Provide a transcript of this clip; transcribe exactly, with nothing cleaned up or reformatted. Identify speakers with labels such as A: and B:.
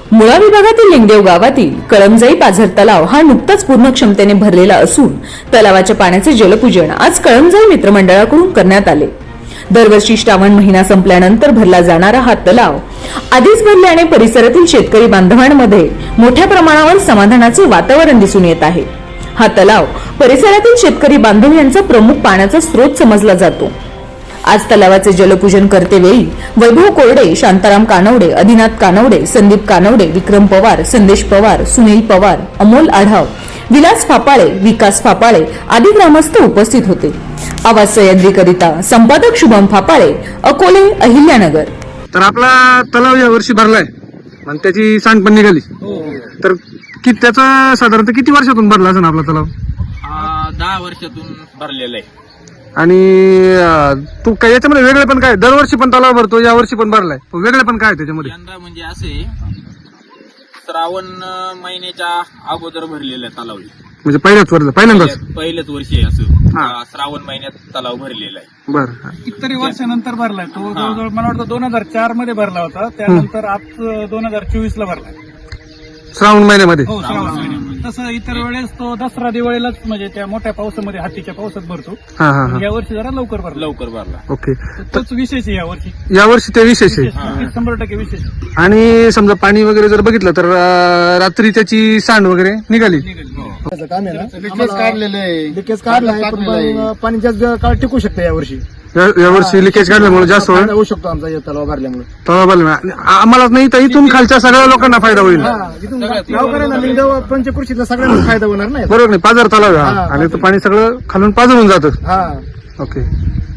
A: मुळा विभागातील लिंगदेव गावातील कळमजाई पाझर तलाव हा नुकताच पूर्ण क्षमतेने भरलेला असून तलावाच्या पाण्याचे जलपूजन आज कळमजाई मित्रमंडळाकडून करण्यात आले। दरवर्षी श्रावण महिना संपल्यानंतर भरला जाणारा हा तलाव आधीच भरल्याने परिसरातील शेतकरी बांधवांमध्ये मोठ्या प्रमाणावर समाधानाचे वातावरण दिसून येत आहे। हा तलाव परिसरातील शेतकरी बांधव यांचा प्रमुख पाण्याचा स्रोत समजला जातो। आज तलावाचे जलपूजन करतेवेळी वैभव कोरडे, शांताराम कानवडे, अधिनाथ कानवडे, संदीप कानवडे, विक्रम पवार, संदेश पवार, सुनील पवार, अमोल आढाव, विलास फापाळे, विकास फापाळे आदी ग्रामस्थ उपस्थित होते। आवाज सह्याद्रीकरिता संपादक शुभम फापाळे, अकोले, अहिल्यानगर।
B: तर आपला तलाव या वर्षी भरलाय आणि त्याची सांड पण निघाली। तर की त्याचा साधारणतः किती वर्षातून भरला असेल आपला तलाव?
C: दहा वर्षातून भरलेला आहे।
B: आणि अं, तू काय याच्यामध्ये वेगळे पण काय दरवर्षी पण तलाव भरतो, या वर्षी पण भरलाय, वेगळे पण काय त्याच्यामध्ये?
C: यंदा म्हणजे असे श्रावण महिन्याच्या अगोदर भरलेला आहे तलाव,
B: म्हणजे पहिल्याच वर्ष पहिल्यांदाच
C: पहिल्याच वर्षी आहे असं
B: हा.
C: श्रावण महिन्यात तलाव भरलेला आहे।
B: बर
D: कितीतरी वर्षानंतर भरलाय तो, जवळजवळ मला वाटतं दोन हजार चार मध्ये भरला होता, त्यानंतर आज दोन हजार चोवीस ला भरलाय।
B: श्रावण महिन्यामध्ये?
D: हो, श्रावण महिन्यात। तसं इतर वेळेस तो दसरा दिवाळीलाच म्हणजे त्या मोठ्या पावसामध्ये हातीच्या पावसात भरतो,
B: हा हा हा
D: या वर्षी जरा लवकर भरला।
C: लवकर भरला।
B: ओके,
D: तोच विशेष आहे या वर्षी,
B: या वर्षी ते विशेष आहे।
D: विशेष, शंभर टक्के विशेष आहे।
B: आणि समजा पाणी वगैरे जर बघितलं तर अं, रात्री त्याची सांड वगैरे निघाली।
E: त्याचं काम आहे ना, लिकेज काढलेलं आहे, लिकेज काढलं आहे, पण मग पाणी जास्त काळ टिकू शकतं या वर्षी।
B: या- या वर्षी लिकेज काढल्यामुळे जास्त
E: फायदा होऊ शकतो आमचा या तलाव भरल्यामुळे।
B: तलाव भरला आम्हाला नाही तर इथून खालच्या सगळ्या लोकांना फायदा होईल।
E: हा, इथून गावकऱ्यांना लिंगदेव पंचकृषीतला सगळ्यांना फायदा होणार नाही।
B: बरोबर नाही? पाझर तलाव आहे हा,
E: हा,
B: आणि तो पाणी सगळं खालून पाझरून जातं।
E: हा,
B: ओके।